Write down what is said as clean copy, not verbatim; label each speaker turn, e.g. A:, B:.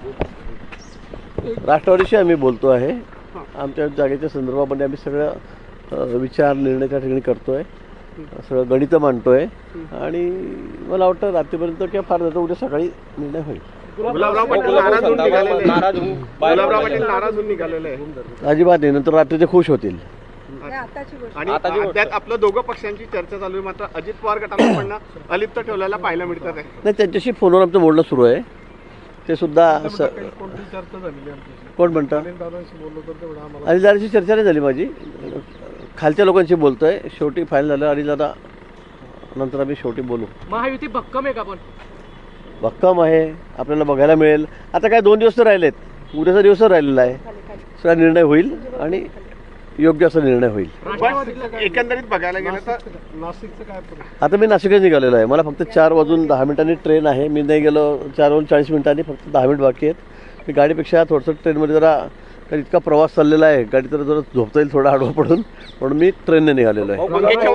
A: राष्ट्रवादीशी आम्ही बोलतो आहे. आमच्या जागेच्या संदर्भामध्ये आम्ही सगळं विचार निर्णय त्या ठिकाणी करतो आहे, सगळं गणितं मांडतो आहे आणि मला वाटतं रात्रीपर्यंत किंवा फार जातं उद्या सकाळी निर्णय होईल.
B: गुलाबराव पाटील नाराज होऊन निघालेले आहे.
A: अजिबात नाही, नंतर रात्री ते खुश होतील.
B: आणि त्यात आपलं दोघं पक्षांची चर्चा चालू आहे, मात्र अजित पवार गटाला पण अलिप्त ठेवलेला पाहायला मिळतात आहे.
A: नाही, त्यांच्याशी फोनवर आमचं बोलणं सुरू आहे. ते सुद्धा कोण म्हणतं अनिलदादांशी चर्चा नाही झाली माझी, खालच्या लोकांशी बोलतो आहे. शेवटी फायनल झालं अनिलदादा नंतर आम्ही शेवटी बोलू.
C: महायुती भक्कम आहे का? पण
A: भक्कम आहे, आपल्याला बघायला मिळेल. आता काय 2 दिवस तर राहिलेत, उद्याचा दिवस राहिलेला आहे. सगळा निर्णय होईल आणि योग्य असा निर्णय होईल.
B: एकंदरीत बघायला गेलं तर नाशिकचं काय?
A: आता मी नाशिकच निघालेलो आहे. मला फक्त 4:10 ट्रेन आहे. मी नाही गेलो 4:40 फक्त 10 मिनिट बाकी आहेत. मी गाडीपेक्षा थोडंसं ट्रेनमध्ये जरा कारण इतका प्रवास चाललेला आहे, गाडी तर जरा झोपता येईल थोडा आडवा पडून, म्हणून मी ट्रेनने निघालेलो आहे.